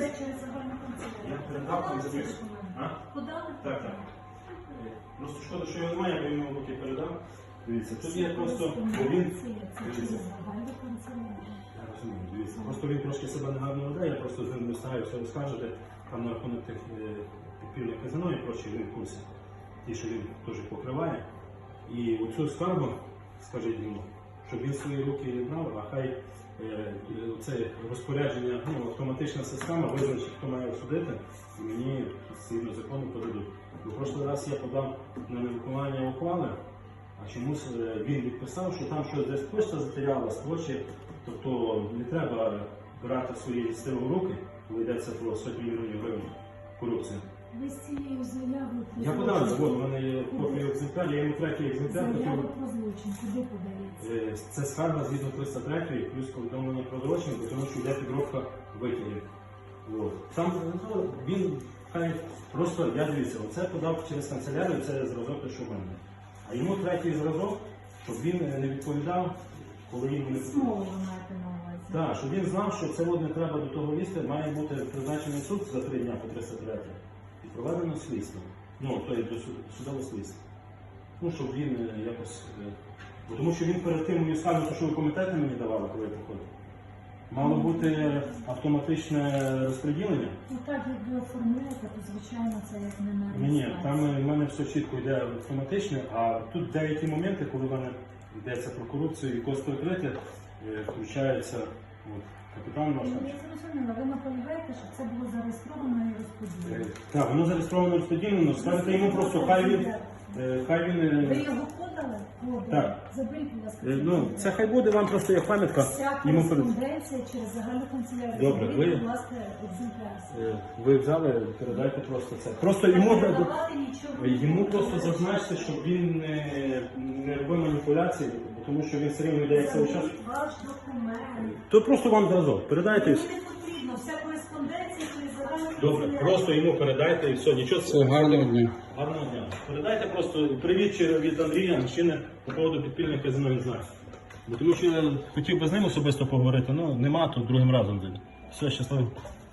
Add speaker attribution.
Speaker 1: Це через загальну канцелярію.
Speaker 2: Я передав там записку.
Speaker 1: Подали?
Speaker 2: Так, так. Просто шкода, що його немає, я б йому поки передав. Дивіться, тут є просто, бо він...
Speaker 1: Це через загальну канцелярію.
Speaker 2: Я розумію, дивіться. Просто він трошки себе негарно веде, я просто з ним не встигаю все розкажете. Там на рахунок тих підпільних казино і прочі, він в курсі. Ті, що він теж покриває. І оцю скаргу, скажіть йому, щоб він свої руки не брав, а хай це розпорядження, автоматична система визначить, хто має судити, і мені згідно закону подадуть. У прошлий раз я подав на невиконання ухвали, а чомусь він відписав, що там щось десь почта затерялась, тобто не треба брати свої сили в руки, коли йдеться про сотні мільйонів гривень корупції.
Speaker 1: Ви з цією заявою про
Speaker 2: Я подав, от у мене є копія екземпляр, я йому третій екземпляр.
Speaker 1: Заява про злочин, куди подається?
Speaker 2: Це скарга згідно 303 плюс повідомлення про злочин, тому що йде підробка витягів. Там він хай просто, я дивіться, оце подав через канцелярію, це зразок, те, що в мене. А йому третій зразок, щоб він не відповідав, коли йому не
Speaker 1: Знову ви маєте на увазі.
Speaker 2: Так, щоб він знав, що це не треба до того лізти, має бути призначений суд за 3 дня по 303 і проведено слідство. Тобто до судового слідства. Щоб він якось... Тому що він перед тим мені сказав, що ви комітети мені давали, коли я приходив. Мало бути автоматичне розподілення.
Speaker 1: Так, як ви оформляєте, то звичайно це як не на реєстрації.
Speaker 2: Ні, там в мене все чітко йде автоматичне, а тут деякі моменти, коли в мене йдеться про корупцію і костоприкриття, включається капітан наш.
Speaker 1: Я зрозуміла, ви наполягаєте, що це було зареєстровано і розподілено.
Speaker 2: Так, воно зареєстровано і розподілено, скажете йому просто, хай він...
Speaker 1: Ви його подали?
Speaker 2: Так.
Speaker 1: Заберіть, будь ласка.
Speaker 2: Це хай буде вам просто як пам'ятка.
Speaker 1: Вся кореспонденція через загальну канцелярію.
Speaker 2: Добре,
Speaker 1: Заберіть, будь ласка, екземпляр.
Speaker 2: Ви взяли, передайте просто це. Просто йому просто зазначте, щоб він не робив маніпуляції, тому що він все рівно йде як цей час.
Speaker 1: Ваш документ.
Speaker 2: То просто вам зразок, передайте.
Speaker 1: Мені не потрібно, вся кореспонденція через загальну
Speaker 2: Добре,
Speaker 1: канцелярію.
Speaker 2: просто йому передайте і все, нічого.
Speaker 3: Все, гарного дня.
Speaker 2: Гарного дня. Передайте просто привіт від Андрія, мужчини, по поводу підпільних казино, не знаю. Тому що я хотів би з ним особисто поговорити, але нема, то другим разом. Все, щасливо.